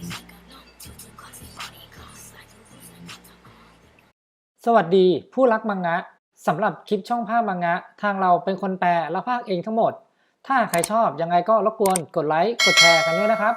สวัสดีผู้รักมังงะสำหรับคลิปช่องภาพมังงะทางเราเป็นคนแปลและพากย์เองทั้งหมดถ้าใครชอบยังไงก็รบกวนกดไลค์กดแชร์กันด้วยนะครับ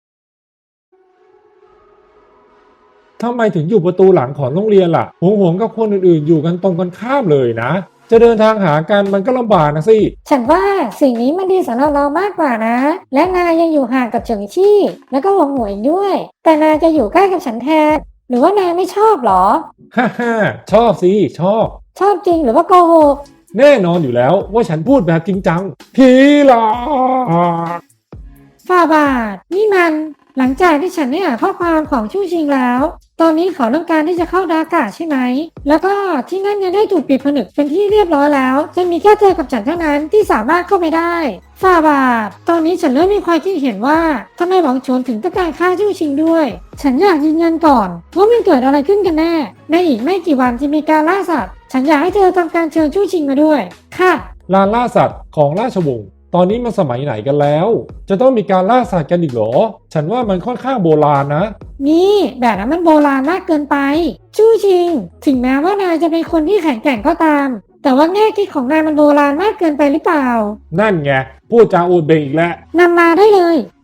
ทำไมถึงอยู่ประตูหลังของโรงเรียนล่ะหงกับคนอื่นๆอยู่กันตรงกันข้ามเลยนะจะเดินทางหากันมันก็ลำบากนะสิฉันว่าสิ่งนี้มันดีสำหรับเรามากกว่านะ และนายยังอยู่ห่างกับเฉิงชี่แล้วก็หวงหวยด้วย แต่นายจะอยู่ใกล้กับฉันแทน หรือว่านายไม่ชอบหรอฮ่าฮ่าชอบสิชอบชอบจริงหรือว่าโกหกแน่นอนอยู่แล้วว่าฉันพูดแบบจริงจังผีหลอกฝ่าบาท นี่มันหลังจากที่ฉันได้อ่านข้อความของชู่ชิงแล้ว ตอนนี้เขาต้องการที่จะเข้าดากาใช่ไหม แล้วก็ที่นั่นยังได้ถูกปิดผนึกเป็นที่เรียบร้อยแล้ว จะมีแค่เธอกับฉันเท่านั้นที่สามารถเข้าไปได้ฝ่าบาท ตอนนี้ฉันเริ่มมีความคิดเห็นว่าทำไมหวังชวนถึงต้องการฆ่าชู่ชิงด้วย ฉันอยากยืนยันก่อนว่ามันเกิดอะไรขึ้นกันแน่ ในอีกไม่กี่วันจะมีการล่าสัตว์ ฉันอยากให้เธอทำการเชิญชู่ชิงมาด้วย ค่ะลานล่าสัตว์ของราชวงศ์ตอนนี้มันสมัยไหนกันแล้ว จะต้องมีการล่าสัตว์กันอีกเหรอฉันว่ามันค่อนข้างโบราณนะนี่แบบนั้นมันโบราณมากเกินไปชู่ชิง ถึงแม้ว่านายจะเป็นคนที่แข็งแกร่งก็ตาม แต่ว่าแง่คิดของนายมันโบราณมากเกินไปหรือเปล่านั่นไงพูดจาอวดเบ่งอีกแล้วนำมาได้เลย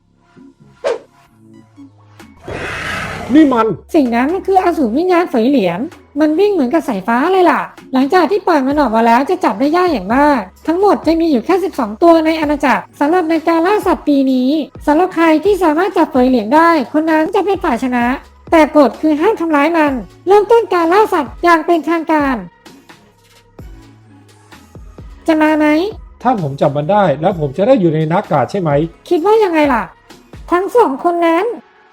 นี่มันสิ่งนั้นมันคืออสูรวิญญาณเฝยเหลียนมันวิ่งเหมือนกับสายฟ้าเลยล่ะ หลังจากที่ปล่อยมันออกมาแล้วจะจับได้ยากอย่างมาก ทั้งหมดจะมีอยู่แค่12ตัวในอาณาจักรสำหรับในการล่าสัตว์ปีนี้สำหรับใครที่สามารถจับเฝยเหลียนได้คนนั้นจะเป็นฝ่ายชนะ แต่กฎคือห้ามทำร้ายมัน เริ่มต้นการล่าสัตว์อย่างเป็นทางการ จะมาไหมถ้าผมจับมันได้แล้วผมจะได้อยู่ในนักกาใช่ไหมคิดว่ายังไงล่ะ ทั้งสองคนนั้น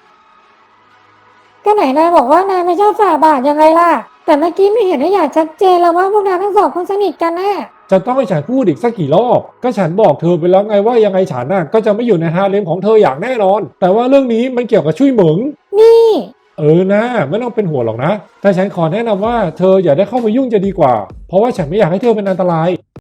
ก็ไหนนายบอกว่านายไม่ชอบฝ่าบาทยังไงล่ะแต่เมื่อกี้ไม่เห็นได้อย่างชัดเจนแล้วว่าพวกนายทั้งสองคนสนิทกันแน่จะต้องให้ฉันพูดอีกสักกี่รอบก็ฉันบอกเธอไปแล้วไงว่ายังไงฉันน่ะก็จะไม่อยู่ในฮาเร็มของเธออย่างแน่นอนแต่ว่าเรื่องนี้มันเกี่ยวกับชุยเหมิงนี่นะไม่ต้องเป็นห่วงหรอกนะแต่ฉันขอแนะนำว่าเธออย่าได้เข้ามายุ่งจะดีกว่าเพราะว่าฉันไม่อยากให้เธอเป็นอันตราย